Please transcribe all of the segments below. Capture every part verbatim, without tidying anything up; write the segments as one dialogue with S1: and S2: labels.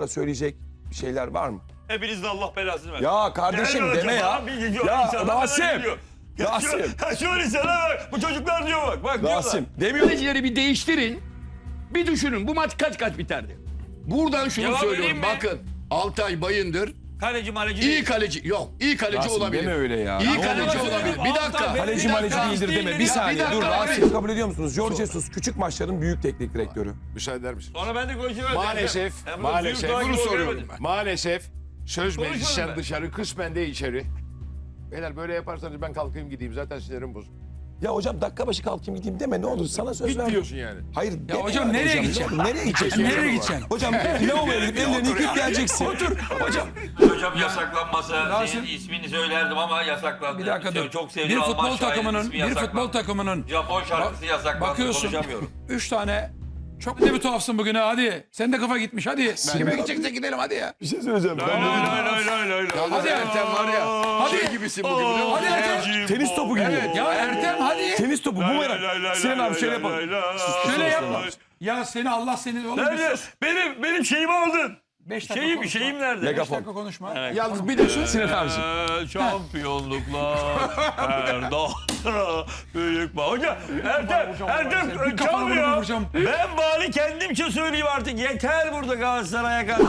S1: sonra söyleyecek bir şeyler var mı?
S2: Hepiniz de Allah belasını versin.
S1: Ya kardeşim
S2: Gel
S1: deme
S2: hocam,
S1: ya.
S2: abi, gidiyor,
S1: Ya
S2: insanlar bana
S1: Rasim.
S2: geliyor. Ya
S1: Rasim.
S2: Şu, ha, şöyle sana bak. Bu çocuklar diyor bak. Bak
S1: Rasim demiyor.
S3: Kalecileri bir değiştirin. Bir düşünün bu maç kaç kaç biterdi? Buradan şunu
S2: Cevap
S3: söylüyorum.
S2: vereyim mi?
S3: Bakın Altay Bayındır
S2: Kaleci maleci
S3: iyi
S2: değil.
S3: kaleci. Yok iyi kaleci
S1: Rasim
S3: olabilir.
S1: deme öyle ya.
S3: İyi
S1: Ne
S3: kaleci
S1: olur.
S3: olabilir. Bir dakika.
S2: Altay,
S1: Kaleci
S2: Bir
S1: maleci
S2: dakika.
S1: değildir deme. Bir
S2: Bir
S1: saniye
S3: dakika
S1: dur
S3: abi.
S1: Rasim kabul ediyor musunuz? George Jesus küçük maçların büyük teknik direktörü.
S4: Müsaade eder misin?
S2: Sonra ben de konuşuyorum.
S4: Maalesef,
S2: Ben bunu
S4: maalesef.
S2: duyup daha
S4: Bunu
S2: gibi
S4: soruyorum
S2: görmedim.
S4: ben. Maalesef söz
S2: Konuşalım
S4: meclisten
S2: ben.
S4: dışarı, kısmen de içeri. Beyler böyle yaparsanız ben kalkayım gideyim. Zaten sinirim bozuk.
S1: Ya hocam dakika başı kalkayım gideyim deme ne olur sana söz
S4: Git
S1: ver.
S4: diyorsun yani.
S1: Hayır
S5: Ya
S1: deme
S5: hocam
S1: yani
S5: nereye
S1: hocam.
S5: gideceksin?
S1: Nereye gideceksin?
S5: Nereye gideceksin?
S1: Hocam lavaboya gidip ellerini yıkayıp geleceksin. Otur. Hocam.
S2: Hocam yasaklanmasa
S5: Rasim-
S2: senin ismini söylerdim ama yasaklandı.
S5: Bir dakika dur.
S2: Çok
S5: Bir
S2: sevdiğim Alman
S5: futbol
S2: şairin
S5: takımının,
S2: ismi
S5: bir
S2: yasaklandı.
S5: futbol takımının
S2: Japon şarkısı
S5: Bak-
S2: yasaklandı.
S5: bakıyorsun.
S2: Konuşamıyorum.
S5: Üç tane çok ne bir tuhafsın bugün ha hadi. Sen de kafa gitmiş hadi. Kime gidecekse gidelim hadi ya.
S1: Bir şey söyleyeceğim.
S2: Lay lay lay lay lay.
S3: Hadi Ertem var ya.
S5: Hadi.
S3: Şey gibisin bugün biliyor musun?
S5: Hadi Ertem.
S1: Tenis topu gibi.
S5: Ya Ertem hadi.
S1: Tenis topu bu merak. Sinan abi şöyle yapalım.
S5: Şöyle yapma. Ya seni Allah seni oğlum.
S2: Nerede?
S5: bir sus.
S2: Benim benim şeyimi aldın.
S5: Beş dakika
S2: Şeyim
S5: konuşma.
S2: şeyim nerede?
S5: Beş
S1: Megafon.
S5: dakika konuşma.
S3: Yalnız bir de şu
S1: Sinan abiciğim.
S2: Eee, Şampiyonluklar her dağlara büyük bağ. Hocam Ertem, Ertem
S5: Bir kafana
S2: çalmıyor.
S5: vuracağım.
S2: Ben bari kendimce söyleyeyim artık. Yeter burada Galatasaray'a karşı.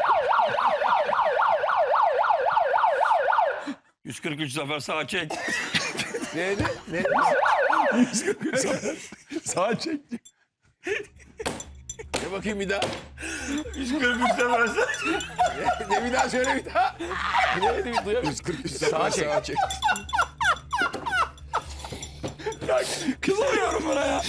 S2: yüz kırk üç zafer sağ çek.
S4: Neydi? Ne?
S1: Sağa çekti.
S4: Ne bakayım bir daha?
S2: yüz kırk üç zafer sağ çek.
S4: Ne bir daha söyle bir daha. Neydi? Duyamıyorum. yüz kırk üç sağa çek. Sağa çek.
S1: Kızamıyorum buna ya.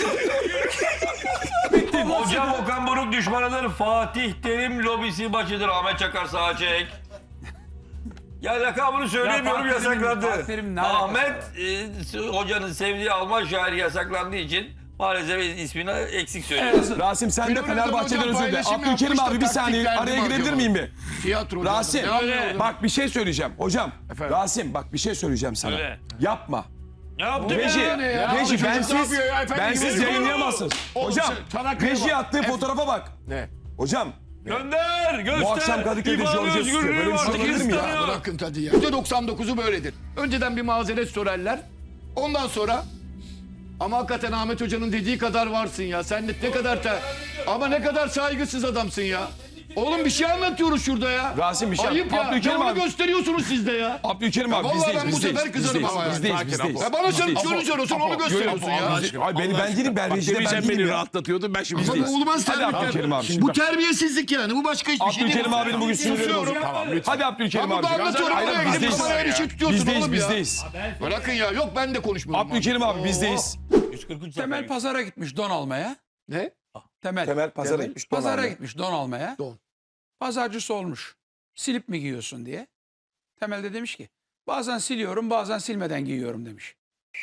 S2: Hocam Okan Buruk düşmanıdır. Fatih Terim lobisi maçıdır. Ahmet Çakar sağa çek. Ya lakabını söyleyemiyorum
S5: Ya Fatih Terim-
S2: yasaklandı.
S5: Fatih Terim ne alakası
S2: Ahmet e, hocanın sevdiği Alman şairi yasaklandığı için maalesef ismini eksik söylüyor.
S1: Rasim sen de
S3: Filmini
S1: Fenerbahçe'den
S3: hocam
S1: özür dile.
S3: paylaşım
S1: Abdülkerim
S3: yapmış da
S1: abi bir saniye
S3: taktik verdi
S1: araya
S3: mi
S1: girebilir
S3: acaba?
S1: miyim bir?
S3: tiyatro.
S1: Rasim
S3: Ne yapıyor?
S1: bak bir şey söyleyeceğim. Hocam
S4: Efendim?
S1: Rasim bak bir şey söyleyeceğim sana.
S2: Söyle.
S1: Yapma.
S2: Ne yaptı
S1: Reji,
S2: be?
S3: ne ya?
S1: reji
S3: Çocuk ne
S1: bensiz,
S3: yapıyor ya? Efendim,
S1: bensiz
S3: gibi
S1: yayınlayamazsınız.
S3: Oğlum
S1: Hocam
S3: sen Çanakkale'ye
S1: reji
S3: bak.
S1: attığı fotoğrafa bak.
S4: Ne?
S1: Hocam
S2: Gönder, göster.
S1: bu akşam Kadıköy'de
S2: İfade
S1: George Jesus
S2: özgürlüğü
S1: böyle bir şey
S2: artık
S1: olabilir mi ya?
S2: istemiyor.
S3: Bırakın hadi ya. yüzde doksan dokuzu böyledir. Önceden bir mazeret sorarlar. Ondan sonra ama hakikaten Ahmet Hoca'nın dediği kadar varsın ya. Sen de ne kadar te... ama ne kadar saygısız adamsın ya. Oğlum bir şey anlatıyoruz şurada ya.
S1: Rasim bir şey-
S3: Ayıp ya.
S1: Abdülkerim
S3: Ne onu
S1: abi-
S3: gösteriyorsunuz siz de ya.
S1: Abdülkerim abi
S3: vallahi
S1: bizdeyiz,
S3: ben bu
S1: bizdeyiz,
S3: sefer kızarım
S1: bizdeyiz,
S3: ama yani.
S1: bizdeyiz,
S4: Sakin,
S1: bizdeyiz.
S4: Apo.
S3: Ya bana sen
S1: Bizdeyiz.
S3: şunu söylüyorsun onu gösteriyorsun ya.
S1: Ay beni ben değilim ben rejide ben
S4: Sen
S1: değilim
S4: beni
S1: ya.
S4: rahatlatıyordun ben şimdi.
S3: Ama bu olmaz
S1: Hadi
S3: terbiyesizlik.
S1: Abdülkerim abi.
S3: Bu terbiyesizlik yani. Bu başka hiçbir şey değil.
S1: Abdülkerim abinin bugün sinirleri
S3: Susuyorum.
S1: bozuk.
S4: Tamam lütfen.
S1: Hadi Abdülkerim
S3: Ben
S1: abi.
S3: burada anlatıyorum
S1: Hayır,
S3: oraya gidip
S1: bizdeyiz.
S3: kameraya bir şey tutuyorsun
S1: Bizdeyiz
S3: oğlum ya.
S1: bizdeyiz.
S3: Bırakın ya. Yok ben de konuşmuyorum.
S1: Abdülkerim abi bizdeyiz.
S2: yüz kırk üç
S5: Temel
S2: zafer.
S5: pazara gitmiş don almaya.
S3: Ne?
S5: Temel.
S1: Temel pazara gitmiş.
S5: Pazara gitmiş don almaya.
S3: Don.
S5: Pazarcısı olmuş. Silip mi giyiyorsun diye. Temel de demiş ki bazen siliyorum bazen silmeden giyiyorum demiş.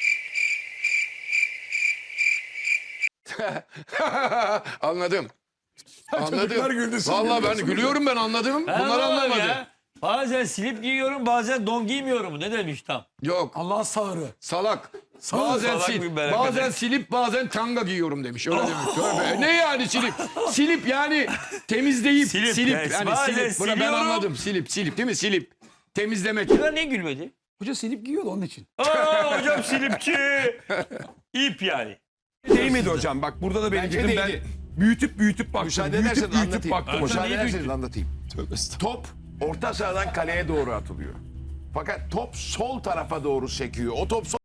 S3: Anladım.
S1: Çocuklar
S3: Anladım.
S1: güldü, siz
S3: Vallahi ben
S1: gülüyorsunuz.
S3: gülüyorum ben anladım.
S2: Ha,
S3: Bunlar
S2: vallahi
S3: anlamadı.
S2: ya. Bazen slip giyiyorum bazen don giymiyorum. Ne demiş tam?
S3: Yok.
S5: Allah sağırı.
S3: Salak. Bazen,
S2: salak
S3: sil,
S2: bir merak
S3: bazen
S2: ederim.
S3: silip bazen tanga giyiyorum demiş. Öyle demiş. Tövbe. Ne yani silip? Silip yani temizleyip
S2: Silip,
S3: silip,
S2: yes.
S3: yani
S2: Bazen
S3: silip. Buna ben
S2: siliyorum.
S3: anladım. Silip silip değil mi? Silip. Temizlemek.
S2: Ya niye gülmedi?
S5: Hoca silip giyiyordu onun için.
S2: Aa hocam silipçi. İp yani.
S1: Değmedi hocam bak burada da benim
S4: Bence
S1: fikrim ben
S4: değdi.
S1: büyütüp büyütüp baktım.
S4: Müsaade
S1: Büyütüp
S4: ederseniz
S1: büyütüp
S4: anlatayım.
S1: baktım hocam.
S4: Müsaade ederseniz anlatayım.
S1: Tövbe estağfurullah.
S4: Top orta sahadan kaleye doğru atılıyor. Fakat top sol tarafa doğru sekiyor. O top sol